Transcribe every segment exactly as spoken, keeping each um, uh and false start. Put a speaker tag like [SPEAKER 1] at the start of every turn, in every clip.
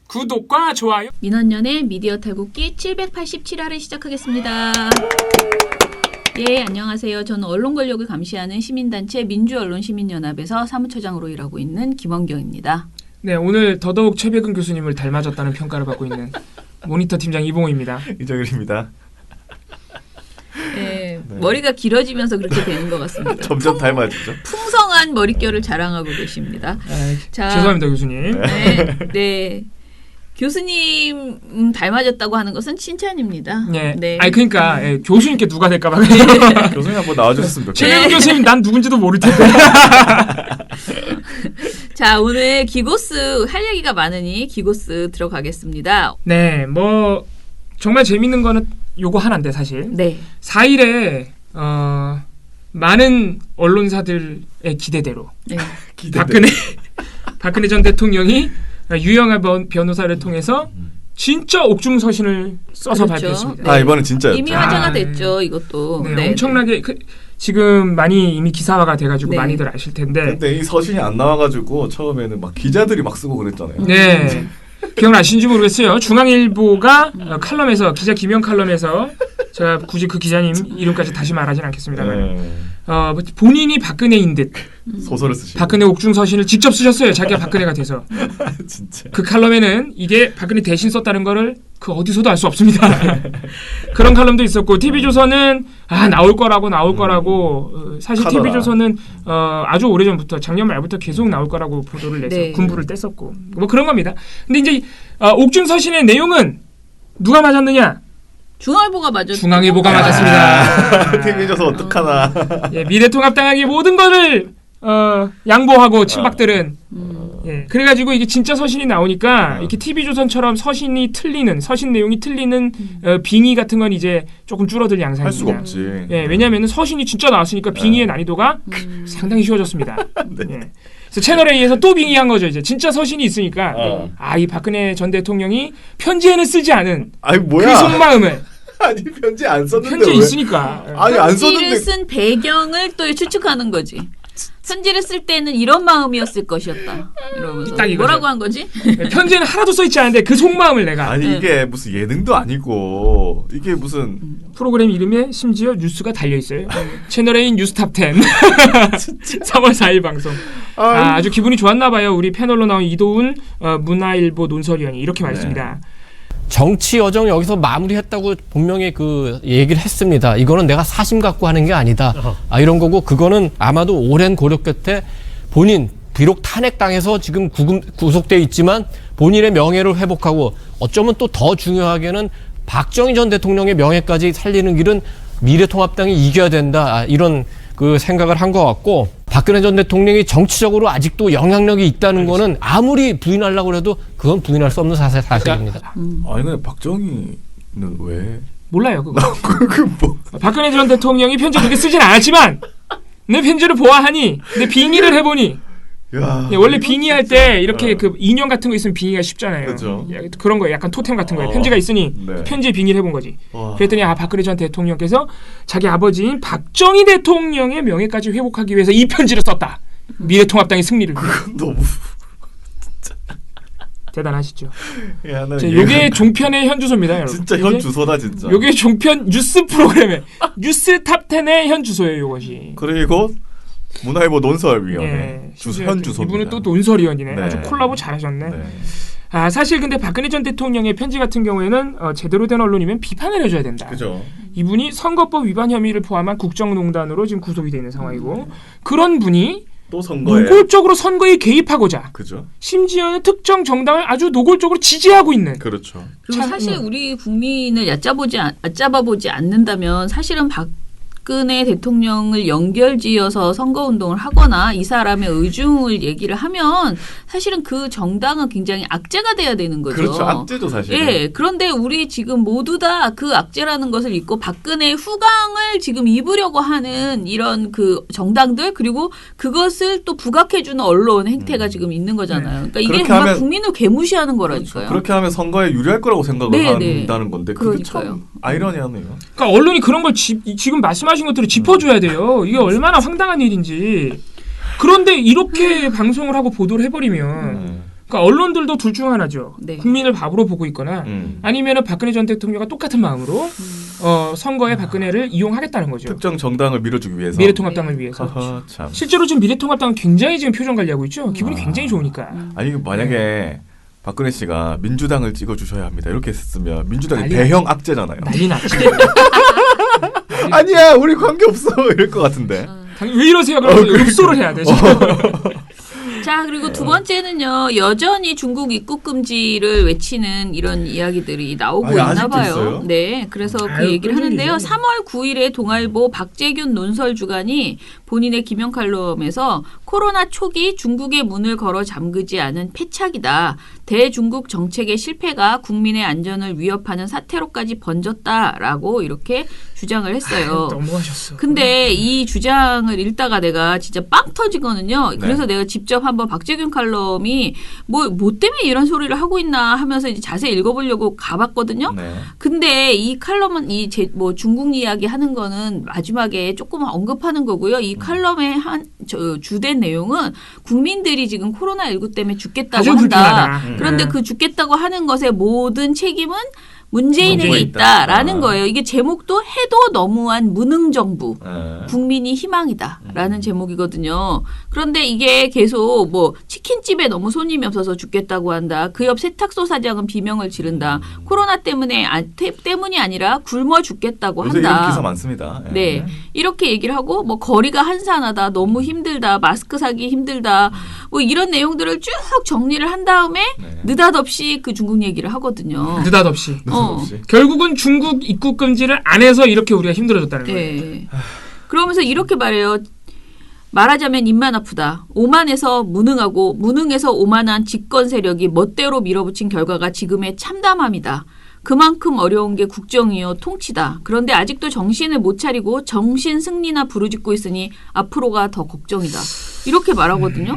[SPEAKER 1] 구독과 좋아요.
[SPEAKER 2] 민원연의 미디어 탈곡기 칠백팔십칠 화를 시작하겠습니다. 예, 안녕하세요. 저는 언론 권력을 감시하는 시민단체 민주언론시민연합에서 사무처장으로 일하고 있는 김원경입니다.
[SPEAKER 1] 네, 오늘 더더욱 최백은 교수님을 닮아졌다는 평가를 받고 있는 모니터 팀장 이봉호입니다.
[SPEAKER 3] 이정일입니다.
[SPEAKER 2] 네,
[SPEAKER 3] 네.
[SPEAKER 2] 머리가 길어지면서 그렇게 되는 것 같습니다.
[SPEAKER 3] 점점 닮아지죠.
[SPEAKER 2] 풍성한 머릿결을 자랑하고 계십니다.
[SPEAKER 1] 아,
[SPEAKER 2] 자,
[SPEAKER 1] 죄송합니다, 교수님.
[SPEAKER 2] 네, 네. 교수님 음, 닮아졌다고 하는 것은 칭찬입니다.
[SPEAKER 1] 네.
[SPEAKER 2] 네.
[SPEAKER 1] 아니 그러니까 예, 교수님께 누가 될까 봐.
[SPEAKER 3] 교수님 한번 나와주셨으면 좋겠어요.
[SPEAKER 1] 최백은 교수님 난 누군지도 모를 텐데.
[SPEAKER 2] 자, 오늘 기고스 할 얘기가 많으니 기고스 들어가겠습니다.
[SPEAKER 1] 네, 뭐 정말 재밌는 거는 요거 하나인데 사실.
[SPEAKER 2] 네.
[SPEAKER 1] 사 일에 어, 많은 언론사들의 기대대로
[SPEAKER 2] 네.
[SPEAKER 3] 기대돼.
[SPEAKER 1] 박근혜 박근혜 전 대통령이 유영하 변- 변호사를 통해서 진짜 옥중 서신을 써서
[SPEAKER 2] 그렇죠.
[SPEAKER 1] 발표했습니다.
[SPEAKER 2] 네.
[SPEAKER 3] 아 이번엔 진짜였죠.
[SPEAKER 2] 이미 화제가
[SPEAKER 1] 아,
[SPEAKER 2] 됐죠, 이것도.
[SPEAKER 1] 네,
[SPEAKER 2] 네.
[SPEAKER 1] 엄청나게 그, 지금 많이 이미 기사화가 돼가지고
[SPEAKER 2] 네.
[SPEAKER 1] 많이들 아실 텐데.
[SPEAKER 3] 근데 이 서신이 안 나와가지고 처음에는 막 기자들이 막 쓰고 그랬잖아요.
[SPEAKER 1] 네. 기억나시는지 모르겠어요. 중앙일보가 어, 칼럼에서 기자 김영 칼럼에서 제가 굳이 그 기자님 이름까지 다시 말하진 않겠습니다만
[SPEAKER 3] 네.
[SPEAKER 1] 어, 본인이 박근혜인 듯
[SPEAKER 3] 소설을 쓰시고.
[SPEAKER 1] 박근혜 옥중 서신을 직접 쓰셨어요. 자기가 박근혜가 돼서.
[SPEAKER 3] 진짜.
[SPEAKER 1] 그 칼럼에는 이게 박근혜 대신 썼다는 거를 그 어디서도 알 수 없습니다. 그런 칼럼도 있었고 티비조선은 아 나올 거라고 나올
[SPEAKER 3] 음.
[SPEAKER 1] 거라고 어, 사실
[SPEAKER 3] 하더라.
[SPEAKER 1] 티비조선은 어, 아주 오래전부터 작년 말부터 계속 나올 거라고 보도를 내서
[SPEAKER 2] 네.
[SPEAKER 1] 군부를 뗐었고 뭐 그런 겁니다. 근데 이제 어, 옥중 서신의 내용은 누가 맞았느냐?
[SPEAKER 2] 중앙일보가 맞았죠.
[SPEAKER 1] 중앙일보가 맞았습니다.
[SPEAKER 3] 티비조선 어떡하나.
[SPEAKER 1] 예, 미래통합당에게 모든 거를 어, 양보하고 친박들은
[SPEAKER 2] 음.
[SPEAKER 1] 예, 그래가지고 이게 진짜 서신이 나오니까
[SPEAKER 3] 어.
[SPEAKER 1] 이렇게 티비조선처럼 서신이 틀리는 서신 내용이 틀리는 어, 빙의 같은 건 이제 조금 줄어들 양상입니다.
[SPEAKER 3] 할 수가 없지.
[SPEAKER 1] 예, 왜냐하면 서신이 진짜 나왔으니까 빙의의 난이도가
[SPEAKER 2] 음.
[SPEAKER 1] 상당히 쉬워졌습니다.
[SPEAKER 3] 네.
[SPEAKER 1] 예. 그래서 채널 A에서 또 빙의한 거죠. 이제 진짜 서신이 있으니까
[SPEAKER 3] 어.
[SPEAKER 1] 아, 이 박근혜 전 대통령이 편지에는 쓰지 않은
[SPEAKER 3] 아니 뭐야?
[SPEAKER 1] 그 속마음을
[SPEAKER 3] 아니 편지 안 썼는데
[SPEAKER 1] 편지에
[SPEAKER 3] 왜?
[SPEAKER 1] 있으니까
[SPEAKER 3] 아니 안
[SPEAKER 2] 편지를
[SPEAKER 3] 썼는데.
[SPEAKER 2] 쓴 배경을 또 추측하는 거지. 편지를 쓸 때는 이런 마음이었을 것이었다. 이러면서
[SPEAKER 1] 딱 이거죠.
[SPEAKER 2] 뭐라고 한 거지?
[SPEAKER 1] 예, 편지에는 하나도 써 있지 않은데 그 속마음을 내가
[SPEAKER 3] 아니
[SPEAKER 2] 네.
[SPEAKER 3] 이게 무슨 예능도 아니고 이게 무슨
[SPEAKER 1] 프로그램 이름에 심지어 뉴스가 달려 있어요. 채널 A 뉴스탑 텐 삼월 사일 방송. 아, 아주 기분이 좋았나 봐요. 우리 패널로 나온 이도훈 어, 문화일보 논설위원이 이렇게 말했습니다.
[SPEAKER 4] 정치 여정 여기서 마무리했다고 분명히 그 얘기를 했습니다. 이거는 내가 사심 갖고 하는 게 아니다. 아, 이런 거고 그거는 아마도 오랜 고려 끝에 본인 비록 탄핵당해서 지금 구금, 구속돼 있지만 본인의 명예를 회복하고 어쩌면 또 더 중요하게는 박정희 전 대통령의 명예까지 살리는 길은 미래통합당이 이겨야 된다. 아, 이런 그 생각을 한 것 같고 박근혜 전 대통령이 정치적으로 아직도 영향력이 있다는 거는 아무리 부인하려고 해도 그건 부인할 수 없는 사실, 사실입니다.
[SPEAKER 3] 아니 근데 박정희는 왜?
[SPEAKER 1] 몰라요 그거.
[SPEAKER 3] 그 뭐?
[SPEAKER 1] 박근혜 전 대통령이 편지 그렇게 쓰진 않았지만 내 편지를 보아하니 내 빙의를 해보니
[SPEAKER 3] 야.
[SPEAKER 1] 예, 원래 빙의할 때 이렇게
[SPEAKER 3] 어.
[SPEAKER 1] 그 인형 같은 거 있으면 빙의가 쉽잖아요.
[SPEAKER 3] 그죠.
[SPEAKER 1] 예, 그런 거 약간 토템 같은 거예요.
[SPEAKER 3] 어.
[SPEAKER 1] 편지가 있으니
[SPEAKER 3] 네.
[SPEAKER 1] 편지에 빙의를 해본 거지.
[SPEAKER 3] 와.
[SPEAKER 1] 그랬더니 아 박근혜 전 대통령께서 자기 아버지인 박정희 대통령의 명예까지 회복하기 위해서 이 편지를 썼다. 미래통합당의 승리를 위해.
[SPEAKER 3] 너무.
[SPEAKER 1] 대단하시죠.
[SPEAKER 3] 야, 나
[SPEAKER 1] 자,
[SPEAKER 3] 이해가
[SPEAKER 1] 요게
[SPEAKER 3] 안 가.
[SPEAKER 1] 종편의 현 주소입니다, 여러분.
[SPEAKER 3] 진짜
[SPEAKER 1] 요게-
[SPEAKER 3] 현 주소다 진짜.
[SPEAKER 1] 요게 종편 뉴스 프로그램의 뉴스 탑텐의 현 주소예요, 요것이.
[SPEAKER 3] 그리고 문화일보 논설위원회
[SPEAKER 1] 예,
[SPEAKER 3] 주소
[SPEAKER 1] 심지어
[SPEAKER 3] 현 주소입니다.
[SPEAKER 1] 이분은 또 논설위원이네.
[SPEAKER 3] 네.
[SPEAKER 1] 아주 콜라보 잘하셨네.
[SPEAKER 3] 네.
[SPEAKER 1] 아 사실 근데 박근혜 전 대통령의 편지 같은 경우에는 어, 제대로 된 언론이면 비판을 해줘야 된다.
[SPEAKER 3] 그죠.
[SPEAKER 1] 이분이 선거법 위반 혐의를 포함한 국정농단으로 지금 구속이 돼 있는 상황이고 그런 분이
[SPEAKER 3] 또 선거에.
[SPEAKER 1] 노골적으로 선거에 개입하고자
[SPEAKER 3] 그죠.
[SPEAKER 1] 심지어는 특정 정당을 아주 노골적으로 지지하고 있는
[SPEAKER 3] 그렇죠.
[SPEAKER 2] 그리고
[SPEAKER 1] 참,
[SPEAKER 2] 사실
[SPEAKER 1] 음.
[SPEAKER 2] 우리 국민을 얕잡아보지, 않- 얕잡아보지 않는다면 사실은 박근혜 대통령을 연결지어서 선거운동을 하거나 이 사람의 의중을 얘기를 하면 사실은 그 정당은 굉장히 악재가 돼야 되는 거죠.
[SPEAKER 3] 그렇죠. 악재죠 사실.
[SPEAKER 2] 예, 그런데 우리 지금 모두 다 그 악재라는 것을 잊고 박근혜의 후광을 지금 입으려고 하는 이런 그 정당들 그리고 그것을 또 부각해주는 언론 행태가
[SPEAKER 3] 음.
[SPEAKER 2] 지금 있는 거잖아요. 그러니까 이게
[SPEAKER 3] 그렇게
[SPEAKER 2] 정말
[SPEAKER 3] 하면-
[SPEAKER 2] 국민을 괴무시하는 거라니까요.
[SPEAKER 3] 그렇게 하면 선거에 유리할 거라고 생각을
[SPEAKER 2] 네, 네.
[SPEAKER 3] 한다는 건데 그게 참
[SPEAKER 2] 그러니까요.
[SPEAKER 3] 아이러니하네요.
[SPEAKER 1] 그러니까 언론이 그런 걸 지, 지금 말씀하신 것들을 짚어줘야 돼요. 이게 얼마나 황당한 일인지. 그런데 이렇게 방송을 하고 보도를 해버리면
[SPEAKER 3] 네.
[SPEAKER 1] 그러니까 언론들도 둘 중 하나죠.
[SPEAKER 2] 네.
[SPEAKER 1] 국민을 바보로 보고 있거나
[SPEAKER 3] 음.
[SPEAKER 1] 아니면은 박근혜 전 대통령과 똑같은 마음으로
[SPEAKER 2] 음.
[SPEAKER 1] 어, 선거에 박근혜를 이용하겠다는 거죠.
[SPEAKER 3] 특정 정당을 밀어주기 위해서.
[SPEAKER 1] 미래통합당을 위해서.
[SPEAKER 3] 하하, 참.
[SPEAKER 1] 실제로 지금 미래통합당은 굉장히 지금 표정 관리하고 있죠. 기분이
[SPEAKER 3] 아.
[SPEAKER 1] 굉장히 좋으니까.
[SPEAKER 3] 아니 만약에
[SPEAKER 1] 네.
[SPEAKER 3] 박근혜 씨가 민주당을 찍어주셔야 합니다. 이렇게 했으면 민주당이
[SPEAKER 1] 난리
[SPEAKER 3] 대형 악재잖아요.
[SPEAKER 1] 난리 났지.
[SPEAKER 3] 아니야 우리 관계 없어 이럴 것 같은데.
[SPEAKER 1] 왜 이러세요? 그러면
[SPEAKER 3] 어, 그러니까.
[SPEAKER 1] 읍소를 해야 되죠.
[SPEAKER 2] 자, 그리고 두 번째는요. 여전히 중국 입국 금지를 외치는 이런 이야기들이 나오고
[SPEAKER 3] 아니,
[SPEAKER 2] 있나
[SPEAKER 3] 아직도
[SPEAKER 2] 봐요.
[SPEAKER 3] 있어요?
[SPEAKER 2] 네. 그래서 그
[SPEAKER 1] 아유,
[SPEAKER 2] 얘기를
[SPEAKER 1] 끈질기죠.
[SPEAKER 2] 하는데요. 삼월 구일에 동아일보 박재균 논설 주간이 본인의 기명 칼럼에서 코로나 초기 중국의 문을 걸어 잠그지 않은 패착이다. 대중국 정책의 실패가 국민의 안전을 위협하는 사태로까지 번졌다라고 이렇게 주장을 했어요.
[SPEAKER 1] 너무하셨어.
[SPEAKER 2] 근데 이 주장을 읽다가 내가 진짜 빵 터지거든요. 그래서
[SPEAKER 3] 네.
[SPEAKER 2] 내가 직접 한번 박재균 칼럼이 뭐, 뭐 때문에 이런 소리를 하고 있나 하면서 이제 자세히 읽어보려고 가봤거든요.
[SPEAKER 3] 네.
[SPEAKER 2] 근데 이 칼럼은 이 제 뭐 중국 이야기 하는 거는 마지막에 조금 언급하는 거고요. 이 칼럼의 한 저 주된 내용은 국민들이 지금 코로나십구 때문에 죽겠다고
[SPEAKER 1] 아주
[SPEAKER 2] 한다.
[SPEAKER 1] 불편하다.
[SPEAKER 2] 그런데
[SPEAKER 1] 네.
[SPEAKER 2] 그 죽겠다고 하는 것의 모든 책임은 문재인에게
[SPEAKER 3] 문재인에 있다.
[SPEAKER 2] 있다라는
[SPEAKER 3] 아.
[SPEAKER 2] 거예요. 이게 제목도 해도 너무한 무능 정부.
[SPEAKER 3] 네.
[SPEAKER 2] 국민이 희망이다라는
[SPEAKER 3] 음.
[SPEAKER 2] 제목이거든요. 그런데 이게 계속 뭐 치킨집에 너무 손님이 없어서 죽겠다고 한다. 그 옆 세탁소 사장은 비명을 지른다. 코로나 때문에 아, 태, 때문이 아니라 굶어 죽겠다고
[SPEAKER 3] 요새 이런
[SPEAKER 2] 한다.
[SPEAKER 3] 기사 많습니다. 예.
[SPEAKER 2] 네. 이렇게 얘기를 하고 뭐 거리가 한산하다. 너무 힘들다. 마스크 사기 힘들다. 뭐 이런 내용들을 쭉 정리를 한 다음에
[SPEAKER 3] 네.
[SPEAKER 2] 느닷없이 그 중국 얘기를 하거든요.
[SPEAKER 1] 느닷없이.
[SPEAKER 2] 어.
[SPEAKER 3] 없이.
[SPEAKER 1] 결국은 중국 입국 금지를 안 해서 이렇게 우리가 힘들어졌다는 거예요.
[SPEAKER 2] 네. 그러면서 이렇게 말해요. 말하자면 입만 아프다. 오만해서 무능하고 무능해서 오만한 집권 세력이 멋대로 밀어붙인 결과가 지금의 참담함이다. 그만큼 어려운 게 국정이요 통치다. 그런데 아직도 정신을 못 차리고 정신 승리나 부르짖고 있으니 앞으로가 더 걱정이다. 이렇게 말하거든요.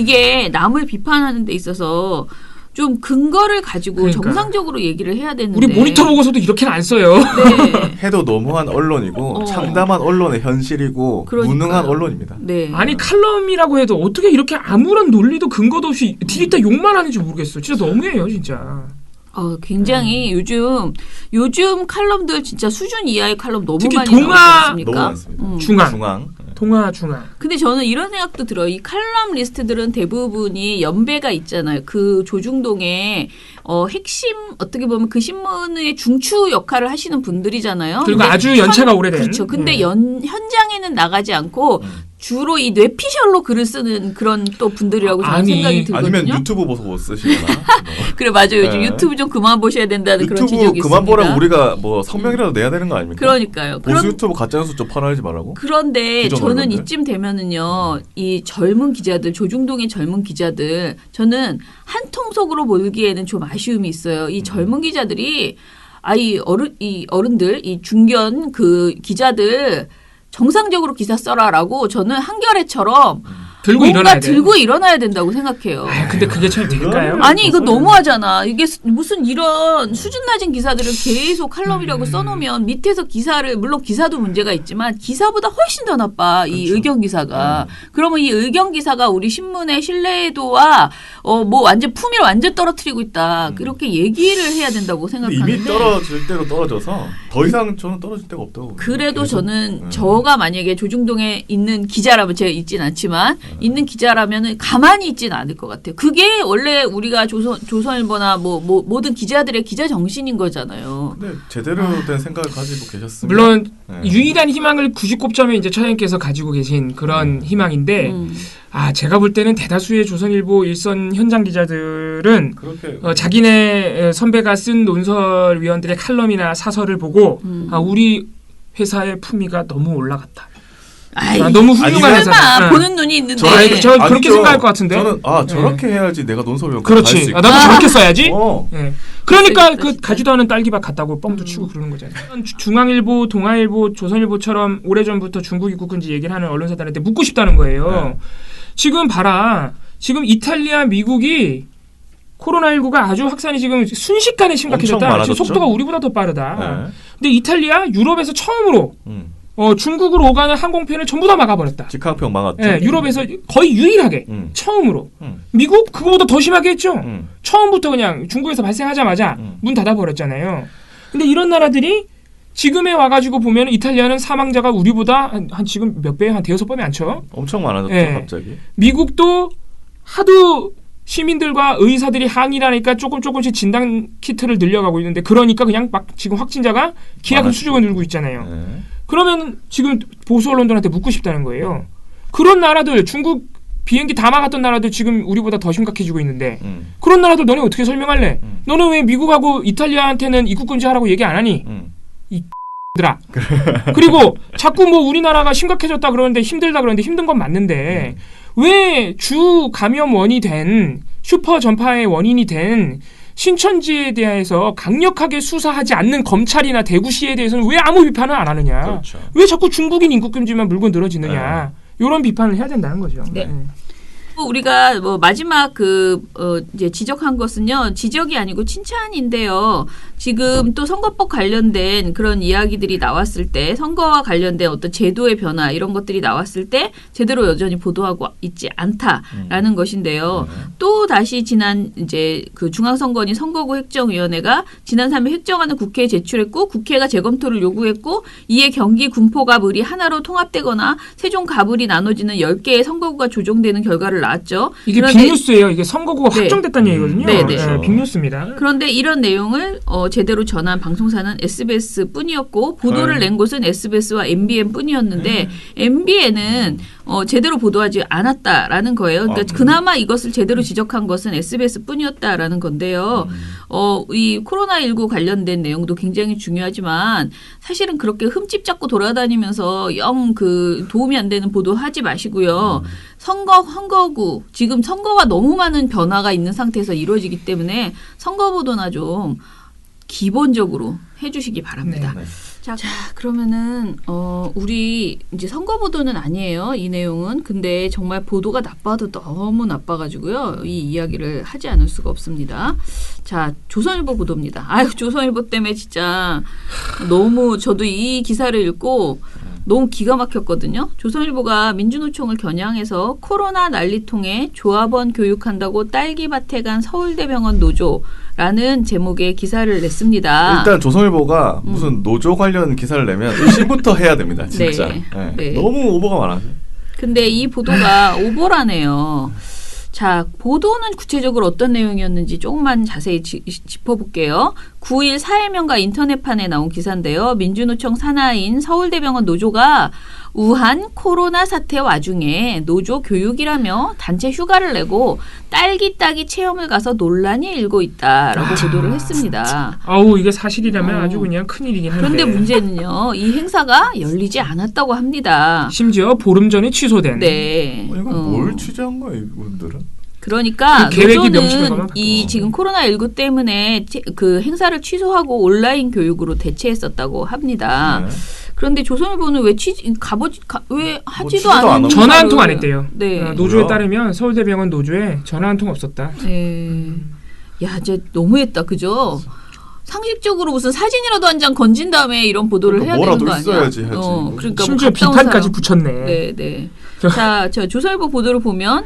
[SPEAKER 2] 이게 남을 비판하는 데 있어서 좀 근거를 가지고
[SPEAKER 1] 그러니까.
[SPEAKER 2] 정상적으로 얘기를 해야 되는데
[SPEAKER 1] 우리 모니터 보고서도 이렇게는 안 써요.
[SPEAKER 2] 네.
[SPEAKER 3] 해도 너무한 언론이고
[SPEAKER 2] 어.
[SPEAKER 3] 참담한 언론의 현실이고
[SPEAKER 2] 그러니까요.
[SPEAKER 3] 무능한 언론입니다.
[SPEAKER 2] 네.
[SPEAKER 1] 아니 칼럼이라고 해도 어떻게 이렇게 아무런 논리도 근거도 없이 뒤집다 욕만 하는지 모르겠어요. 진짜 너무해요, 진짜.
[SPEAKER 2] 어, 굉장히 요즘 요즘 칼럼들 진짜 수준 이하의 칼럼 너무
[SPEAKER 1] 특히
[SPEAKER 2] 많이
[SPEAKER 1] 동화-
[SPEAKER 2] 나오지 않습니까?
[SPEAKER 3] 너무 많습니다.
[SPEAKER 2] 음.
[SPEAKER 1] 중앙,
[SPEAKER 3] 중앙.
[SPEAKER 1] 동화 중앙.
[SPEAKER 2] 근데 저는 이런 생각도 들어요. 이 칼럼 리스트들은 대부분이 연배가 있잖아요. 그 조중동의 어, 핵심 어떻게 보면 그 신문의 중추 역할을 하시는 분들이잖아요.
[SPEAKER 1] 그리고
[SPEAKER 2] 근데
[SPEAKER 1] 아주 연차가
[SPEAKER 2] 현-
[SPEAKER 1] 오래된.
[SPEAKER 2] 그렇죠. 근데
[SPEAKER 1] 네.
[SPEAKER 2] 연, 현장에는 나가지 않고 주로 이 뇌피셜로 글을 쓰는 그런 또 분들이라고 저는
[SPEAKER 1] 아니,
[SPEAKER 2] 생각이 들거든요.
[SPEAKER 3] 아니면 유튜브 보서 못 쓰시거나. 뭐.
[SPEAKER 2] 그래 맞아요. 요즘
[SPEAKER 3] 네.
[SPEAKER 2] 유튜브 좀 그만 보셔야 된다는 그런
[SPEAKER 3] 유튜브
[SPEAKER 2] 지적이
[SPEAKER 3] 그만
[SPEAKER 2] 있습니다.
[SPEAKER 3] 보라고 우리가 뭐 성명이라도 내야 되는 거 아닙니까?
[SPEAKER 2] 그러니까요.
[SPEAKER 3] 보수
[SPEAKER 2] 그런
[SPEAKER 3] 유튜브 가짜뉴스 좀 팔아내지 말라고.
[SPEAKER 2] 그런데
[SPEAKER 3] 기존
[SPEAKER 2] 저는
[SPEAKER 3] 언론들?
[SPEAKER 2] 이쯤 되면은요, 이 젊은 기자들, 조중동의 젊은 기자들, 저는 한 통속으로 몰기에는 좀 아쉬움이 있어요. 이 젊은 기자들이, 아, 이 어른, 이 어른들, 이 중견 그 기자들, 정상적으로 기사 써라라고 저는 한겨레처럼
[SPEAKER 1] 들고
[SPEAKER 2] 뭔가
[SPEAKER 1] 일어나야 돼.
[SPEAKER 2] 들고 일어나야 된다고 생각해요.
[SPEAKER 1] 아, 근데 그게 참 될까요?
[SPEAKER 2] 아니 이거 너무하잖아. 이게 스- 무슨 이런 수준 낮은 기사들을 계속 칼럼이라고 써놓으면 밑에서 기사를 물론 기사도 문제가 있지만 기사보다 훨씬 더 나빠 이 의견 기사가. 그러면 이 의견 기사가 우리 신문의 신뢰도와 어 뭐 완전 품위를 완전 떨어뜨리고 있다. 그렇게 얘기를 해야 된다고
[SPEAKER 3] 근데
[SPEAKER 2] 생각하는데.
[SPEAKER 3] 이미 떨어질 대로 떨어져서 더 이상 저는 떨어질 데가 없다고.
[SPEAKER 2] 그래도
[SPEAKER 3] 계속.
[SPEAKER 2] 저는
[SPEAKER 3] 네.
[SPEAKER 2] 저가 만약에 조중동에 있는 기자라면 제가 있진 않지만 있는 기자라면은 가만히 있지는 않을 것 같아요. 그게 원래 우리가 조선 조선일보나 뭐, 뭐 모든 기자들의 기자 정신인 거잖아요.
[SPEAKER 3] 근데 제대로 된 생각을 가지고 계셨으면
[SPEAKER 1] 물론
[SPEAKER 3] 네.
[SPEAKER 1] 유일한 희망을 구십구 점에 이제 처장님께서 가지고 계신 그런 희망인데
[SPEAKER 2] 음.
[SPEAKER 1] 아 제가 볼 때는 대다수의 조선일보 일선 현장 기자들은
[SPEAKER 3] 그렇게
[SPEAKER 1] 어, 자기네 선배가 쓴 논설위원들의 칼럼이나 사설을 보고
[SPEAKER 2] 음.
[SPEAKER 1] 아 우리 회사의 품위가 너무 올라갔다.
[SPEAKER 2] 아이,
[SPEAKER 1] 아, 너무 훌륭한
[SPEAKER 3] 아니면-
[SPEAKER 1] 회사다.
[SPEAKER 2] 설마
[SPEAKER 1] 네.
[SPEAKER 2] 보는 눈이 있는데.
[SPEAKER 1] 저, 아니, 저 그렇게
[SPEAKER 3] 아니죠.
[SPEAKER 1] 생각할 것 같은데.
[SPEAKER 3] 저는 아 저렇게 해야지 내가 논설위원
[SPEAKER 1] 그렇지. 아, 나도 저렇게 써야지.
[SPEAKER 3] 어.
[SPEAKER 1] 예. 그러니까
[SPEAKER 2] 진짜,
[SPEAKER 1] 그
[SPEAKER 2] 진짜.
[SPEAKER 1] 가지도 않은 딸기밭 같다고
[SPEAKER 2] 음.
[SPEAKER 1] 뻥도 치고 그러는 거잖아요. 주- 중앙일보, 동아일보, 조선일보처럼 오래전부터 중국 입국 금지 얘기를 하는 언론사들한테 묻고 싶다는 거예요.
[SPEAKER 3] 네.
[SPEAKER 1] 지금 봐라. 지금 이탈리아, 미국이 코로나십구가 아주 확산이 지금 순식간에
[SPEAKER 3] 엄청
[SPEAKER 1] 심각해졌다. 지금
[SPEAKER 3] 많아졌죠?
[SPEAKER 1] 속도가 우리보다 더 빠르다.
[SPEAKER 3] 네.
[SPEAKER 1] 근데 이탈리아, 유럽에서 처음으로
[SPEAKER 3] 음.
[SPEAKER 1] 어, 중국으로 오가는 항공편을 전부 다 막아버렸다.
[SPEAKER 3] 직항평 막았죠.
[SPEAKER 1] 예, 유럽에서 거의 유일하게
[SPEAKER 3] 음.
[SPEAKER 1] 처음으로.
[SPEAKER 3] 음.
[SPEAKER 1] 미국 그거보다 더 심하게 했죠.
[SPEAKER 3] 음.
[SPEAKER 1] 처음부터 그냥 중국에서 발생하자마자
[SPEAKER 3] 음.
[SPEAKER 1] 문 닫아버렸잖아요. 근데 이런 나라들이 지금에 와가지고 보면 이탈리아는 사망자가 우리보다 한, 한 지금 몇 배, 한 대여섯 번이 안 쳐.
[SPEAKER 3] 엄청 많아졌죠
[SPEAKER 1] 예.
[SPEAKER 3] 갑자기.
[SPEAKER 1] 미국도 하도 시민들과 의사들이 항의를 하니까 조금 조금씩 진단 키트를 늘려가고 있는데 그러니까 그냥 막 지금 확진자가 기하급
[SPEAKER 3] 많아지고.
[SPEAKER 1] 수준을 늘고 있잖아요.
[SPEAKER 3] 네.
[SPEAKER 1] 그러면 지금 보수 언론들한테 묻고 싶다는 거예요. 그런 나라들 중국 비행기 다 막았던 나라들 지금 우리보다 더 심각해지고 있는데
[SPEAKER 3] 음.
[SPEAKER 1] 그런 나라들 너네 어떻게 설명할래?
[SPEAKER 3] 음.
[SPEAKER 1] 너는 왜 미국하고 이탈리아한테는 입국 금지하라고 얘기 안 하니?
[SPEAKER 3] 음.
[SPEAKER 1] 들아. 그리고 자꾸 뭐 우리나라가 심각해졌다 그러는데 힘들다 그러는데 힘든 건 맞는데
[SPEAKER 3] 음.
[SPEAKER 1] 왜 주 감염원이 된 슈퍼 전파의 원인이 된 신천지에 대해서 강력하게 수사하지 않는 검찰이나 대구시에 대해서는 왜 아무 비판을 안 하느냐?
[SPEAKER 3] 그렇죠.
[SPEAKER 1] 왜 자꾸 중국인 입국 금지만 물고 늘어지느냐? 이런 비판을 해야 된다는 거죠.
[SPEAKER 2] 네. 우리가 뭐 마지막 그 어 이제 지적한 것은요 지적이 아니고 칭찬인데요. 지금 또 선거법 관련된 그런 이야기들이 나왔을 때 선거와 관련된 어떤 제도의 변화 이런 것들이 나왔을 때 제대로 여전히 보도하고 있지 않다라는 음. 것인데요.
[SPEAKER 3] 음.
[SPEAKER 2] 또 다시 지난 이제 그 중앙선거원이 선거구 획정위원회가 지난 삼 일 획정안을 국회에 제출했고 국회가 재검토를 요구했고 이에 경기 군포갑 을이 하나로 통합되거나 세종 갑을이 나눠지는 열 개의 선거구가 조정되는 결과를 나왔죠.
[SPEAKER 1] 이게
[SPEAKER 2] 그런데
[SPEAKER 1] 빅뉴스예요. 이게 선거구가
[SPEAKER 2] 네.
[SPEAKER 1] 확정됐다는 얘기거든요.
[SPEAKER 2] 네, 네.
[SPEAKER 1] 네, 빅뉴스입니다.
[SPEAKER 2] 그런데 이런 내용을 어, 제대로 전한 방송사는 에스비에스 뿐이었고 보도를
[SPEAKER 3] 네.
[SPEAKER 2] 낸 곳은 에스비에스와 엠비엔 뿐이었는데
[SPEAKER 3] 네.
[SPEAKER 2] 엠비엔은 어, 제대로 보도하지 않았다라는 거예요. 그러니까
[SPEAKER 3] 아,
[SPEAKER 2] 그나마 이것을 제대로 지적한 것은 에스비에스 뿐이었다라는 건데요.
[SPEAKER 3] 음.
[SPEAKER 2] 어, 이 코로나십구 관련된 내용도 굉장히 중요하지만 사실은 그렇게 흠집 잡고 돌아다니면서 영 그 도움이 안 되는 보도하지 마시고요.
[SPEAKER 3] 음.
[SPEAKER 2] 선거, 선거구, 지금 선거가 너무 많은 변화가 있는 상태에서 이루어지기 때문에 선거 보도나 좀 기본적으로 해주시기 바랍니다.
[SPEAKER 3] 네.
[SPEAKER 2] 자, 자, 그러면은 어 우리 이제 선거 보도는 아니에요. 이 내용은. 근데 정말 보도가 나빠도 너무 나빠가지고요. 이 이야기를 하지 않을 수가 없습니다. 자, 조선일보 보도입니다. 아유, 조선일보 때문에 진짜 너무 저도 이 기사를 읽고 너무 기가 막혔거든요. 조선일보가 민주노총을 겨냥해서 코로나 난리통에 조합원 교육한다고 딸기밭에 간 서울대병원 노조라는 제목의 기사를 냈습니다.
[SPEAKER 3] 일단 조선일보가 음. 무슨 노조 관련 기사를 내면 의심부터 해야 됩니다. 진짜.
[SPEAKER 2] 네.
[SPEAKER 3] 네.
[SPEAKER 2] 네.
[SPEAKER 3] 너무 오버가 많아서.
[SPEAKER 2] 근데 이 보도가 오보라네요. 자, 보도는 구체적으로 어떤 내용이었는지 조금만 자세히 지, 짚어볼게요. 구 일 사회명가 인터넷판에 나온 기사인데요. 민주노총 산하인 서울대병원 노조가 우한 코로나 사태 와중에 노조 교육이라며 단체 휴가를 내고 딸기 따기 체험을 가서 논란이 일고 있다라고
[SPEAKER 1] 아,
[SPEAKER 2] 보도를 했습니다.
[SPEAKER 1] 아우 이게 사실이라면
[SPEAKER 2] 어.
[SPEAKER 1] 아주 그냥 큰일이긴 한데.
[SPEAKER 2] 그런데 문제는요. 이 행사가 열리지 않았다고 합니다.
[SPEAKER 1] 심지어 보름 전에 취소된.
[SPEAKER 2] 네.
[SPEAKER 3] 어, 이건
[SPEAKER 2] 어.
[SPEAKER 3] 뭘 취재한 거야 이분들은?
[SPEAKER 2] 그러니까
[SPEAKER 1] 그 계획이 명시된
[SPEAKER 2] 노조는
[SPEAKER 1] 거만
[SPEAKER 2] 이
[SPEAKER 3] 바꿔.
[SPEAKER 2] 지금 코로나십구 때문에 치- 그 행사를 취소하고 온라인 교육으로 대체했었다고 합니다.
[SPEAKER 3] 네.
[SPEAKER 2] 그런데 조선일보는 왜 취지 가보지 가, 왜 하지도
[SPEAKER 3] 취재도 안
[SPEAKER 2] 않은
[SPEAKER 3] 하고.
[SPEAKER 1] 전화 한
[SPEAKER 2] 기사를-
[SPEAKER 1] 통 안 했대요.
[SPEAKER 2] 네.
[SPEAKER 1] 어, 노조에
[SPEAKER 3] 뭐야?
[SPEAKER 1] 따르면 서울대병원 노조에 전화 한 통 없었다.
[SPEAKER 2] 네. 야, 이제 너무했다, 그죠? 상식적으로 무슨 사진이라도 한 장 건진 다음에 이런 보도를
[SPEAKER 3] 그러니까
[SPEAKER 2] 해야
[SPEAKER 3] 뭐라도
[SPEAKER 2] 되는 거 아니야?
[SPEAKER 3] 있어야지 하지.
[SPEAKER 2] 어, 그러니까
[SPEAKER 1] 심지어
[SPEAKER 2] 뭐 갔다 온
[SPEAKER 1] 비판까지
[SPEAKER 2] 사람.
[SPEAKER 1] 붙였네.
[SPEAKER 2] 네, 네. 자, 저 조선일보 보도를 보면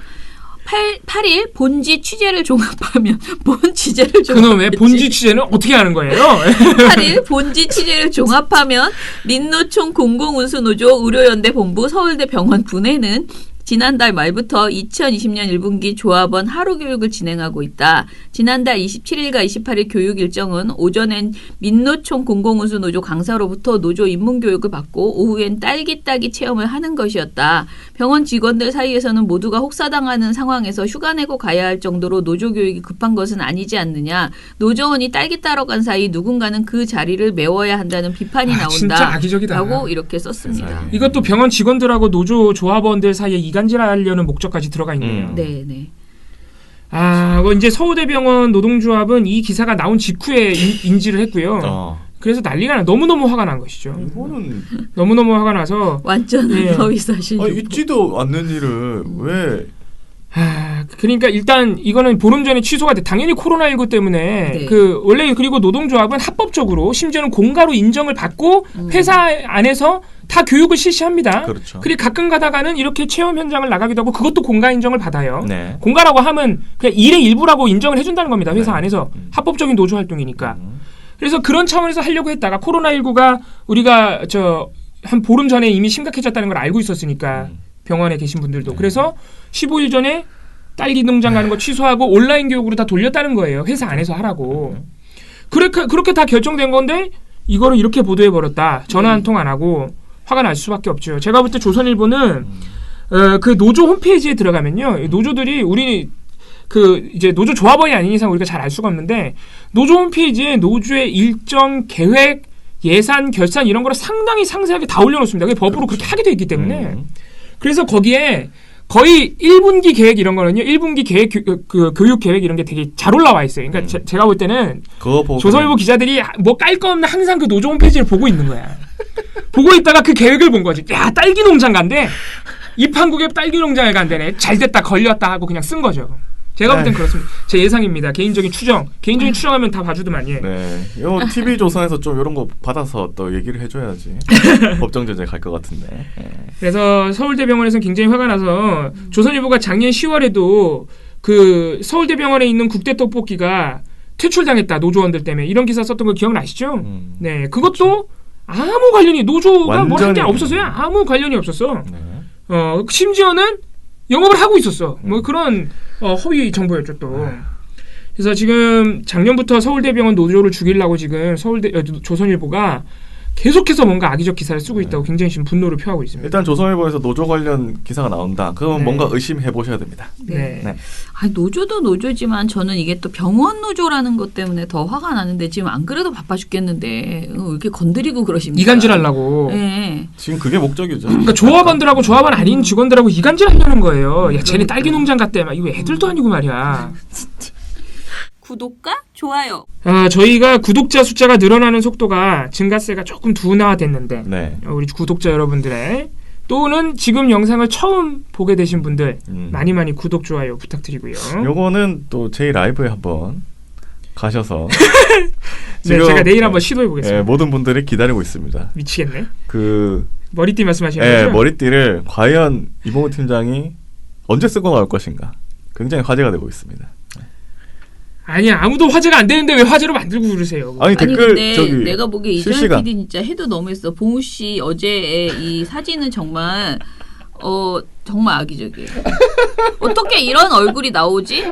[SPEAKER 2] 팔 일 본지 취재를 종합하면 본 취재를
[SPEAKER 1] 그놈의
[SPEAKER 2] 종합했지.
[SPEAKER 1] 본지 취재는 어떻게 하는 거예요?
[SPEAKER 2] 팔 일 본지 취재를 종합하면 민노총 공공운수노조 의료연대 본부 서울대 병원 분해는 지난달 말부터 이천이십 년 일 분기 조합원 하루 교육을 진행하고 있다. 지난달 이십칠 일과 이십팔 일 교육 일정은 오전엔 민노총 공공운수노조 강사로부터 노조 입문교육을 받고 오후엔 딸기 따기 체험을 하는 것이었다. 병원 직원들 사이에서는 모두가 혹사당하는 상황에서 휴가 내고 가야 할 정도로 노조 교육이 급한 것은 아니지 않느냐. 노조원이 딸기 따러 간 사이 누군가는 그 자리를 메워야 한다는 비판이
[SPEAKER 1] 아,
[SPEAKER 2] 나온다.
[SPEAKER 1] 진짜 악의적이다.
[SPEAKER 2] 라고 이렇게 썼습니다.
[SPEAKER 3] 세상에.
[SPEAKER 1] 이것도 병원 직원들하고 노조 조합원들 사이에 이간질하려는 목적까지 들어가 있네요.
[SPEAKER 3] 음.
[SPEAKER 2] 네, 네.
[SPEAKER 1] 아, 뭐 이제 서울대병원 노동조합은 이 기사가 나온 직후에 인, 인지를 했고요.
[SPEAKER 3] 어.
[SPEAKER 1] 그래서 난리가 나 너무너무 화가 난 것이죠.
[SPEAKER 3] 이거는
[SPEAKER 1] 너무너무 화가 나서
[SPEAKER 2] 완전
[SPEAKER 1] 예.
[SPEAKER 2] 허위 사실.
[SPEAKER 3] 아, 있지도 않는 일을 왜?
[SPEAKER 1] 아, 그러니까 일단 이거는 보름 전에 취소가 돼. 당연히 코로나십구 때문에
[SPEAKER 2] 네.
[SPEAKER 1] 그 원래 그리고 노동조합은 합법적으로 심지어는 공가로 인정을 받고
[SPEAKER 2] 음.
[SPEAKER 1] 회사 안에서 다 교육을 실시합니다.
[SPEAKER 3] 그렇죠.
[SPEAKER 1] 그리고 가끔 가다가는 이렇게 체험 현장을 나가기도 하고 그것도 공가 인정을 받아요.
[SPEAKER 3] 네.
[SPEAKER 1] 공가라고 하면 그냥 일의 일부라고 인정을 해준다는 겁니다. 회사
[SPEAKER 3] 네.
[SPEAKER 1] 안에서
[SPEAKER 3] 음.
[SPEAKER 1] 합법적인 노조 활동이니까.
[SPEAKER 3] 음.
[SPEAKER 1] 그래서 그런 차원에서 하려고 했다가 코로나십구가 우리가 저 한 보름 전에 이미 심각해졌다는 걸 알고 있었으니까
[SPEAKER 3] 음.
[SPEAKER 1] 병원에 계신 분들도
[SPEAKER 3] 네.
[SPEAKER 1] 그래서 십오 일 전에 딸기 농장 가는 거 취소하고 온라인 교육으로 다 돌렸다는 거예요. 회사 안에서 하라고.
[SPEAKER 3] 음.
[SPEAKER 1] 그렇게 그렇게 다 결정된 건데 이거를 이렇게 보도해 버렸다. 전화 한 통 안 하고 화가 날 수밖에 없죠. 제가 볼 때 조선일보는
[SPEAKER 3] 음.
[SPEAKER 1] 어, 그 노조 홈페이지에 들어가면요, 이 노조들이 우리 그 이제 노조 조합원이 아닌 이상 우리가 잘 알 수가 없는데 노조 홈페이지에 노조의 일정 계획 예산, 결산 이런 거를 상당히 상세하게 다 올려놓습니다. 그게 법으로 그렇게 하게 돼 있기 때문에.
[SPEAKER 3] 음.
[SPEAKER 1] 그래서 거기에 거의 일 분기 계획 이런 거는요. 일 분기 계획, 교, 그 교육 계획 이런 게 되게 잘 올라와 있어요. 그러니까
[SPEAKER 3] 음.
[SPEAKER 1] 제, 제가 볼 때는
[SPEAKER 3] 그거 보고
[SPEAKER 1] 조선일보 기자들이 뭐 깔 거 없는 항상 그 노조 홈페이지를 보고 있는 거야. 보고 있다가 그 계획을 본 거지. 야, 딸기 농장 간대. 입한국에 딸기 농장을 간대네. 잘 됐다, 걸렸다 하고 그냥 쓴 거죠. 제가 볼 땐
[SPEAKER 3] 에이.
[SPEAKER 1] 그렇습니다. 제 예상입니다. 개인적인 추정. 개인적인 추정하면 다 봐주더만 예.
[SPEAKER 3] 네, 요 티비 조선에서 좀 이런 거 받아서 또 얘기를 해줘야지. 법정 제재 갈 것 같은데. 네.
[SPEAKER 1] 그래서 서울대병원에서는 굉장히 화가 나서 조선일보가 작년 시월에도 그 서울대병원에 있는 국대 떡볶이가 퇴출당했다 노조원들 때문에 이런 기사 썼던 거 기억나시죠?
[SPEAKER 3] 음.
[SPEAKER 1] 네, 그것도 아무 관련이 노조가 뭘 한 게
[SPEAKER 3] 완전히-
[SPEAKER 1] 없었어요. 아무 관련이 없었어.
[SPEAKER 3] 네.
[SPEAKER 1] 어 심지어는 영업을 하고 있었어. 뭐 그런 어, 허위 정보였죠 또. 그래서 지금 작년부터 서울대병원 노조를 죽이려고 지금 서울대 어, 조선일보가 계속해서 뭔가 악의적 기사를 쓰고 있다고 굉장히 지금 분노를 표하고 있습니다.
[SPEAKER 3] 일단 조선일보에서 노조 관련 기사가 나온다. 그건
[SPEAKER 1] 네.
[SPEAKER 3] 뭔가 의심해 보셔야 됩니다.
[SPEAKER 1] 네.
[SPEAKER 3] 네.
[SPEAKER 2] 아니, 노조도 노조지만 저는 이게 또 병원 노조라는 것 때문에 더 화가 나는데 지금 안 그래도 바빠 죽겠는데 어, 왜 이렇게 건드리고 그러십니까?
[SPEAKER 1] 이간질하려고.
[SPEAKER 2] 네.
[SPEAKER 3] 지금 그게 목적이죠.
[SPEAKER 1] 그러니까 조합원들하고 조합원 아닌 직원들하고 이간질하려는 거예요. 야, 쟤네 딸기 농장 갔대. 막 이거 애들도 아니고 말이야.
[SPEAKER 2] 구독과 좋아요.
[SPEAKER 1] 아, 저희가 구독자 숫자가 늘어나는 속도가 증가세가 조금 둔화됐는데
[SPEAKER 3] 네.
[SPEAKER 1] 어, 우리 구독자 여러분들의 또는 지금 영상을 처음 보게 되신 분들
[SPEAKER 3] 음.
[SPEAKER 1] 많이 많이 구독 좋아요 부탁드리고요.
[SPEAKER 3] 요거는 또 제이 라이브에 한번 가셔서
[SPEAKER 1] 네, 제가 내일 한번 시도해 보겠습니다.
[SPEAKER 3] 예, 모든 분들이 기다리고 있습니다.
[SPEAKER 1] 미치겠네.
[SPEAKER 3] 그
[SPEAKER 1] 머리띠 말씀하시는
[SPEAKER 3] 예,
[SPEAKER 1] 거죠?
[SPEAKER 3] 머리띠를 과연 이봉우 팀장이 언제 쓰고 나올 것인가 굉장히 화제가 되고 있습니다.
[SPEAKER 1] 아니 아무도 화제가 안 되는데 왜 화제로 만들고 그러세요?
[SPEAKER 3] 아니,
[SPEAKER 2] 아니
[SPEAKER 3] 댓글
[SPEAKER 2] 근데
[SPEAKER 3] 저기
[SPEAKER 2] 내가 보기에 이정현
[SPEAKER 3] 실시간.
[SPEAKER 2] 피디 진짜 해도 너무했어. 봉우 씨 어제의 이 사진은 정말 어 정말 악의적이에요. 어떻게 이런 얼굴이 나오지?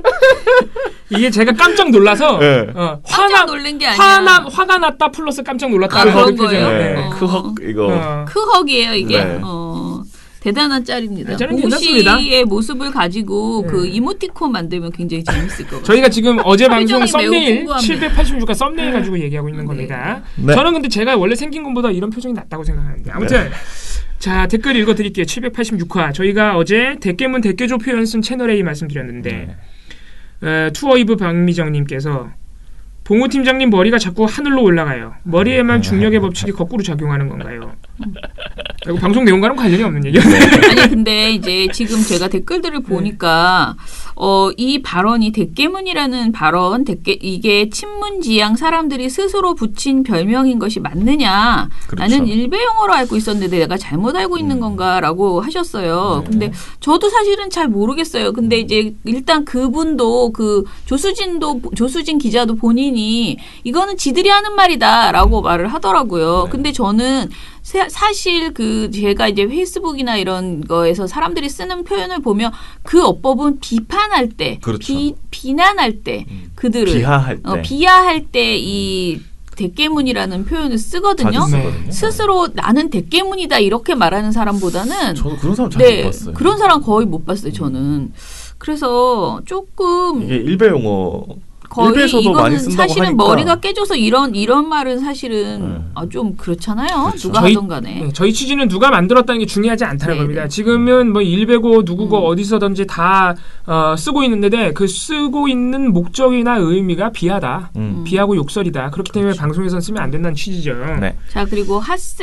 [SPEAKER 1] 이게 제가 깜짝 놀라서
[SPEAKER 3] 네.
[SPEAKER 1] 어,
[SPEAKER 2] 깜짝
[SPEAKER 1] 화나
[SPEAKER 2] 놀란 게 아니야.
[SPEAKER 1] 화나 화가 났다 플러스 깜짝 놀랐다.
[SPEAKER 2] 아, 그런
[SPEAKER 1] 그 표정.
[SPEAKER 2] 거예요?
[SPEAKER 3] 네,
[SPEAKER 2] 어.
[SPEAKER 3] 크헉 이거
[SPEAKER 1] 어.
[SPEAKER 2] 크헉이에요 이게.
[SPEAKER 3] 네.
[SPEAKER 2] 어, 대단한 짤입니다.
[SPEAKER 1] 네, 저는
[SPEAKER 2] 봉우
[SPEAKER 1] 괜찮습니다.
[SPEAKER 2] 씨의 모습을 가지고
[SPEAKER 1] 네.
[SPEAKER 2] 그 이모티콘 만들면 굉장히 재밌을 것 같아요.
[SPEAKER 1] 저희가 지금 어제 방송
[SPEAKER 2] 표정이 매우
[SPEAKER 1] 썸네일
[SPEAKER 2] 궁금합니다.
[SPEAKER 1] 칠백팔십육화 썸네일 가지고 얘기하고 있는 겁니다.
[SPEAKER 3] 네.
[SPEAKER 1] 저는 근데 제가 원래 생긴 것보다 이런 표정이 낫다고 생각하는데 아무튼 자 댓글 읽어드릴게요. 칠백팔십육화 저희가 어제 대깨문 대깨조 표현 쓴 채널 A 말씀드렸는데
[SPEAKER 3] 네.
[SPEAKER 1] 어, 투어이브 박미정님께서 봉우 팀장님 머리가 자꾸 하늘로 올라가요. 머리에만 중력의 법칙이 거꾸로 작용하는 건가요? 그리고 방송 내용과는 관련이 없는 얘기예요.
[SPEAKER 2] 아니 근데 이제 지금 제가 댓글들을 보니까 어, 이 발언이 대깨문이라는 발언, 대깨 이게 친문지향 사람들이 스스로 붙인 별명인 것이 맞느냐?
[SPEAKER 3] 그렇죠.
[SPEAKER 2] 나는 일베 용어로 알고 있었는데 내가 잘못 알고 있는 건가라고 하셨어요.
[SPEAKER 3] 네.
[SPEAKER 2] 근데 저도 사실은 잘 모르겠어요. 근데 이제 일단 그분도 그 조수진도 조수진 기자도 본인이 이거는 지들이 하는 말이다라고 말을 하더라고요.
[SPEAKER 3] 네.
[SPEAKER 2] 근데 저는 사- 사실 그 제가 이제 페이스북이나 이런 거에서 사람들이 쓰는 표현을 보면 그 어법은 비판할 때,
[SPEAKER 3] 그렇죠.
[SPEAKER 2] 비, 비난할 때
[SPEAKER 3] 음.
[SPEAKER 2] 그들을
[SPEAKER 3] 비하할 때
[SPEAKER 2] 어, 비하할 때 이 대깨문이라는 표현을 쓰거든요.
[SPEAKER 3] 자주
[SPEAKER 1] 네.
[SPEAKER 3] 쓰거든요.
[SPEAKER 2] 스스로 나는 대깨문이다 이렇게 말하는 사람보다는
[SPEAKER 3] 저도 그런 사람 잘 못
[SPEAKER 2] 네
[SPEAKER 3] 봤어요.
[SPEAKER 2] 그런 사람 거의 못 봤어요. 저는 그래서 조금
[SPEAKER 3] 이게 일베 용어
[SPEAKER 2] 거의
[SPEAKER 3] 일베에서도 많이
[SPEAKER 2] 이거는
[SPEAKER 3] 쓴다고
[SPEAKER 2] 사실은
[SPEAKER 3] 하니까.
[SPEAKER 2] 머리가 깨져서 이런 이런 말은 사실은
[SPEAKER 3] 네.
[SPEAKER 2] 아, 좀 그렇잖아요.
[SPEAKER 3] 그렇죠.
[SPEAKER 2] 누가
[SPEAKER 1] 저희-
[SPEAKER 2] 하던 간에.
[SPEAKER 1] 네, 저희 취지는 누가 만들었다는 게 중요하지 않다는
[SPEAKER 2] 네,
[SPEAKER 1] 겁니다.
[SPEAKER 2] 네.
[SPEAKER 1] 지금은 뭐 일베고 누구고
[SPEAKER 2] 음.
[SPEAKER 1] 어디서든지 다 어, 쓰고 있는데 그 쓰고 있는 목적이나 의미가 비하다.
[SPEAKER 3] 음.
[SPEAKER 1] 비하고 욕설이다. 그렇기 때문에 방송에서는 쓰면 안 된다는 취지죠.
[SPEAKER 3] 네.
[SPEAKER 2] 자 그리고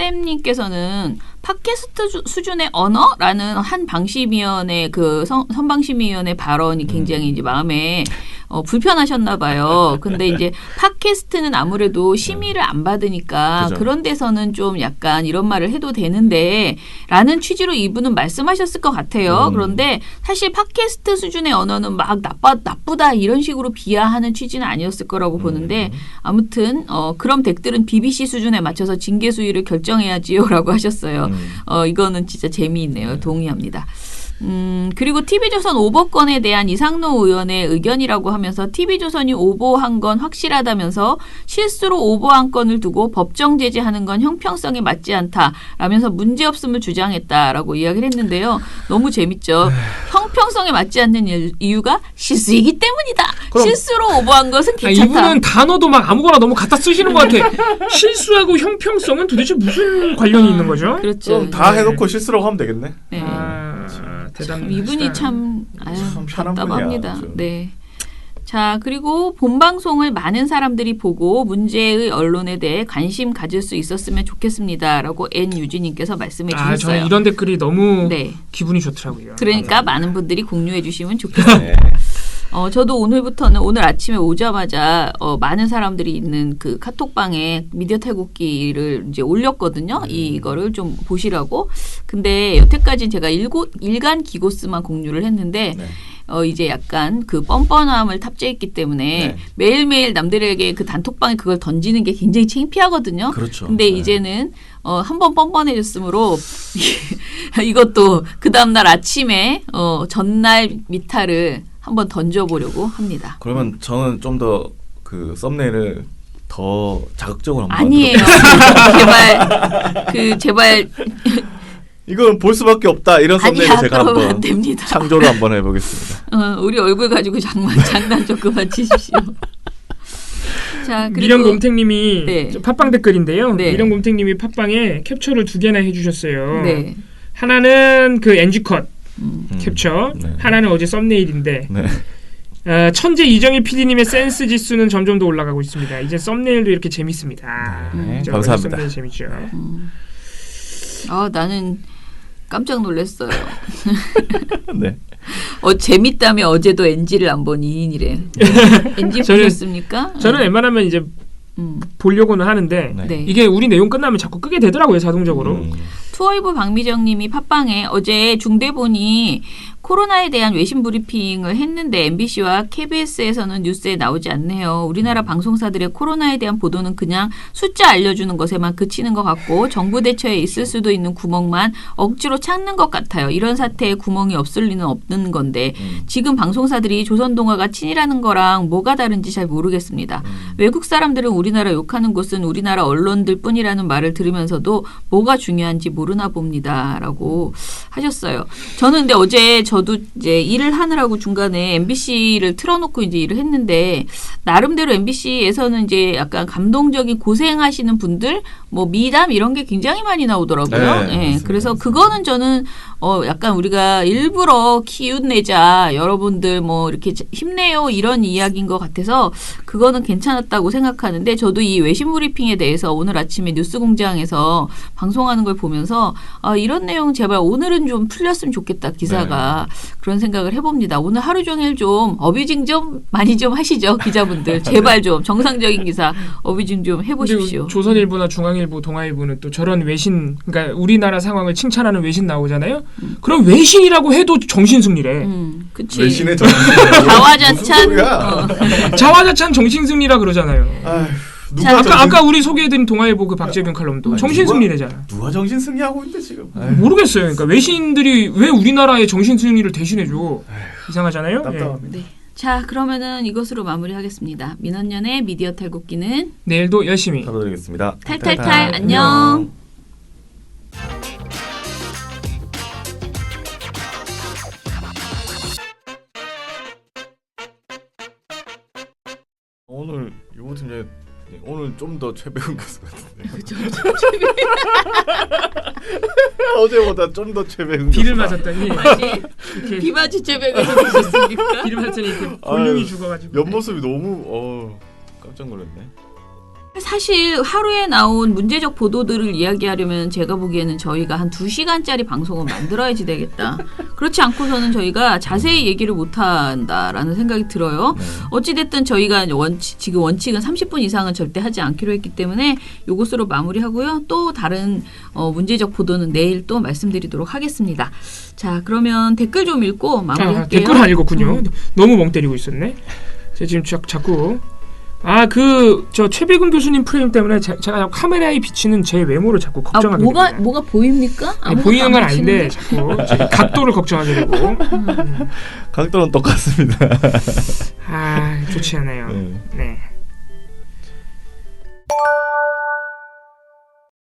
[SPEAKER 2] 핫쌤님께서는 팟캐스트 주- 수준의 언어라는 한 방심위원회 그 선, 선방심위원회 발언이 굉장히 이제 마음에 어, 불편하셨나 봐요. 근데 이제 팟캐스트는 아무래도 심의를 안 받으니까
[SPEAKER 3] 그죠.
[SPEAKER 2] 그런 데서는 좀 약간 이런 말을 해도 되는데 라는 취지로 이분은 말씀하셨을 것 같아요.
[SPEAKER 3] 음.
[SPEAKER 2] 그런데 사실 팟캐스트 수준의 언어는 막 나빠, 나쁘다 이런 식으로 비하하는 취지는 아니었을 거라고 보는데 아무튼 어, 그럼 덱들은 비비씨 수준에 맞춰서 징계 수위를 결정해야지요라고 하셨어요.
[SPEAKER 3] 음.
[SPEAKER 2] 어, 이거는 진짜 재미있네요. 동의합니다. 음, 그리고 티비조선 오보건에 대한 이상노 의원의 의견이라고 하면서 티비조선이 오보한 건 확실하다면서 실수로 오보한 건을 두고 법정 제재하는 건 형평성에 맞지 않다라면서 문제없음을 주장했다라고 이야기를 했는데요. 너무 재밌죠. 형평성에 맞지 않는 일- 이유가 실수이기 때문이다.
[SPEAKER 3] 그럼-
[SPEAKER 2] 실수로 오보한 것은
[SPEAKER 1] 아,
[SPEAKER 2] 괜찮다.
[SPEAKER 1] 이분은 단어도 막 아무거나 너무 갖다 쓰시는 것 같아. 실수하고 형평성은 도대체 무슨 관련이 있는 거죠?
[SPEAKER 2] 그렇죠.
[SPEAKER 3] 그럼 다
[SPEAKER 1] 네.
[SPEAKER 3] 해놓고 실수라고 하면 되겠네.
[SPEAKER 2] 네.
[SPEAKER 1] 아, 대단.
[SPEAKER 2] 이분이 참, 아유,
[SPEAKER 3] 참 편한
[SPEAKER 2] 답답합니다.
[SPEAKER 3] 분이야, 아주.
[SPEAKER 2] 네. 자, 그리고 본방송을 많은 사람들이 보고 문제의 언론에 대해 관심 가질 수 있었으면 좋겠습니다라고 N유진님께서 말씀해
[SPEAKER 1] 아,
[SPEAKER 2] 주셨어요.
[SPEAKER 1] 저는 이런 댓글이 너무
[SPEAKER 2] 네.
[SPEAKER 1] 기분이 좋더라고요.
[SPEAKER 2] 그러니까 많은 분들이 공유해 주시면 좋겠습니다.
[SPEAKER 3] 네.
[SPEAKER 2] 어, 저도 오늘부터는 오늘 아침에 오자마자 어, 많은 사람들이 있는 그 카톡방에 미디어 탈곡기를 이제 올렸거든요. 이거를 좀 보시라고. 근데 여태까지는 제가 일고, 일간 기고스만 공유를 했는데
[SPEAKER 3] 네.
[SPEAKER 2] 어, 이제 약간 그 뻔뻔함을 탑재했기 때문에
[SPEAKER 3] 네.
[SPEAKER 2] 매일매일 남들에게 그 단톡방에 그걸 던지는 게 굉장히 창피하거든요.
[SPEAKER 3] 그렇죠.
[SPEAKER 2] 근데
[SPEAKER 3] 네.
[SPEAKER 2] 이제는 어, 한 번 뻔뻔해졌으므로 이것도 그 다음날 아침에 어, 전날 미타를 한번 던져보려고 합니다.
[SPEAKER 3] 그러면 저는 좀 더 그 썸네일을 더 자극적으로 한번
[SPEAKER 2] 아니에요.
[SPEAKER 3] 만들어-
[SPEAKER 2] 제발 그 제발
[SPEAKER 3] 이건 볼 수밖에 없다 이런 썸네일
[SPEAKER 2] 아니야
[SPEAKER 3] 제가
[SPEAKER 2] 그러면 안
[SPEAKER 3] 한번
[SPEAKER 2] 됩니다.
[SPEAKER 3] 창조를 한번 해보겠습니다.
[SPEAKER 2] 어, 우리 얼굴 가지고 장난 장난 좀 그만 치십시오. 자 그리고
[SPEAKER 1] 미련곰탱님이
[SPEAKER 2] 네.
[SPEAKER 1] 저 팟빵 댓글인데요.
[SPEAKER 2] 네.
[SPEAKER 1] 미련곰탱님이 팟빵에 캡처를 두 개나 해주셨어요.
[SPEAKER 2] 네.
[SPEAKER 1] 하나는 그 엔지컷
[SPEAKER 2] 음.
[SPEAKER 1] 캡처,
[SPEAKER 3] 네.
[SPEAKER 1] 하나는 어제 썸네일인데
[SPEAKER 3] 네.
[SPEAKER 1] 어, 천재 이정희 피디님의 센스 지수는 점점 더 올라가고 있습니다. 이제 썸네일도 이렇게 재밌습니다.
[SPEAKER 3] 네,
[SPEAKER 1] 그죠?
[SPEAKER 3] 감사합니다.
[SPEAKER 1] 썸네일 재밌죠.
[SPEAKER 2] 아 나는 깜짝 놀랐어요.
[SPEAKER 3] 네.
[SPEAKER 2] 어 재밌다며 어제도 엔지를 안 본 이인이래. 엔지
[SPEAKER 1] 저는-
[SPEAKER 2] 보셨습니까?
[SPEAKER 1] 저는 웬만하면 이제
[SPEAKER 2] 음.
[SPEAKER 1] 보려고는 하는데
[SPEAKER 3] 네.
[SPEAKER 2] 네.
[SPEAKER 1] 이게 우리 내용 끝나면 자꾸 끄게 되더라고요, 자동적으로.
[SPEAKER 3] 음.
[SPEAKER 2] 투어이브 박미정님이 팟빵에 어제 중대본이 코로나에 대한 외신 브리핑을 했는데 엠비씨와 케이비에스에서는 뉴스에 나오지 않네요. 우리나라 방송사들의 코로나에 대한 보도는 그냥 숫자 알려주는 것에만 그치는 것 같고 정부 대처에 있을 수도 있는 구멍만 억지로 찾는 것 같아요. 이런 사태에 구멍이 없을 리는 없는 건데
[SPEAKER 3] 음.
[SPEAKER 2] 지금 방송사들이 조선동아가 친이라는 거랑 뭐가 다른지 잘 모르겠습니다. 외국 사람들은 우리나라 욕하는 곳은 우리나라 언론들 뿐이라는 말을 들으면서도 뭐가 중요한지 모르나 봅니다라고 하셨어요. 저는 근데 어제 저도 이제 일을 하느라고 중간에 엠비씨를 틀어놓고 이제 일을 했는데 나름대로 엠비씨에서는 이제 약간 감동적인 고생하시는 분들 뭐 미담 이런 게 굉장히 많이 나오더라고요.
[SPEAKER 3] 네,
[SPEAKER 2] 예,
[SPEAKER 3] 맞습니다.
[SPEAKER 2] 그래서 그거는 저는 어 약간 우리가 일부러 기운내자 여러분들 뭐 이렇게 힘내요 이런 이야기인 것 같아서 그거는 괜찮았다고 생각하는데 저도 이 외신 브리핑에 대해서 오늘 아침에 뉴스공장에서 방송하는 걸 보면서 아 이런 내용 제발 오늘은 좀 풀렸으면 좋겠다 기사가 그런 생각을 해봅니다. 오늘 하루 종일 좀 어뷰징 좀 많이 좀 하시죠 기자분들 제발 좀 정상적인 기사 어뷰징 좀 해보십시오.
[SPEAKER 1] 근데 조선일보나 중앙일보, 동아일보는 또 저런 외신, 그러니까 우리나라 상황을 칭찬하는 외신 나오잖아요. 그럼 외신이라고 해도 정신승리래.
[SPEAKER 2] 음, 그치.
[SPEAKER 3] 외신의 정
[SPEAKER 2] 자화자찬. 어.
[SPEAKER 1] 자화자찬 정신승리라 그러잖아요.
[SPEAKER 3] 아휴, 누가
[SPEAKER 2] 자,
[SPEAKER 1] 아까
[SPEAKER 3] 정신,
[SPEAKER 1] 아까 우리 소개해드린 동아일보 그 박재균 칼럼도
[SPEAKER 3] 아니,
[SPEAKER 1] 정신승리래잖아.
[SPEAKER 3] 누가 정신 승리하고 있는데 지금. 아휴,
[SPEAKER 1] 모르겠어요. 그러니까 외신들이 왜 우리나라의 정신승리를 대신해줘? 이상하잖아요. 예.
[SPEAKER 3] 답답합니다.
[SPEAKER 2] 네. 자 그러면은 이것으로 마무리하겠습니다. 민원년의 미디어 탈곡기는
[SPEAKER 1] 내일도 열심히.
[SPEAKER 3] 사도드리겠습니다.
[SPEAKER 2] 탈탈탈 안녕.
[SPEAKER 3] 오늘 유보 팀장님 오늘 좀 더 최배운 교수 같은데. 어제보다 좀 더 최배운
[SPEAKER 1] 비를
[SPEAKER 3] 교수다.
[SPEAKER 1] 맞았더니 이렇게
[SPEAKER 2] 비바지 제배가 되셨습니까?
[SPEAKER 1] 비를 맞았더니 이렇게 볼륨이
[SPEAKER 3] 아유,
[SPEAKER 1] 죽어가지고.
[SPEAKER 3] 옆모습이 너무 어 깜짝 놀랐네.
[SPEAKER 2] 사실 하루에 나온 문제적 보도들을 이야기하려면 제가 보기에는 저희가 한 두 시간짜리 방송을 만들어야지 되겠다. 그렇지 않고서는 저희가 자세히 얘기를 못한다라는 생각이 들어요.
[SPEAKER 3] 네.
[SPEAKER 2] 어찌됐든 저희가 원칙, 지금 원칙은 삼십 분 이상은 절대 하지 않기로 했기 때문에 이것으로 마무리하고요. 또 다른 어, 문제적 보도는 내일 또 말씀드리도록 하겠습니다. 자, 그러면 댓글 좀 읽고 마무리할게요.
[SPEAKER 1] 아, 댓글 안 읽었군요.
[SPEAKER 2] 음.
[SPEAKER 1] 너무 멍 때리고 있었네. 제가 지금 자, 자꾸 아 그 저 최백운 교수님 프레임 때문에 제, 제가 카메라에 비치는 제 외모를 자꾸
[SPEAKER 2] 아,
[SPEAKER 1] 걱정하게
[SPEAKER 2] 뭐가
[SPEAKER 1] 됩니다.
[SPEAKER 2] 뭐가 보입니까?
[SPEAKER 1] 아니,
[SPEAKER 2] 아무것도
[SPEAKER 1] 보이는
[SPEAKER 2] 안
[SPEAKER 1] 건 아닌데
[SPEAKER 2] 보시는데?
[SPEAKER 1] 자꾸 제 각도를 걱정하게 되고 음.
[SPEAKER 3] 각도는 똑같습니다.
[SPEAKER 1] 아 좋지 않아요.
[SPEAKER 3] 네.
[SPEAKER 1] 네.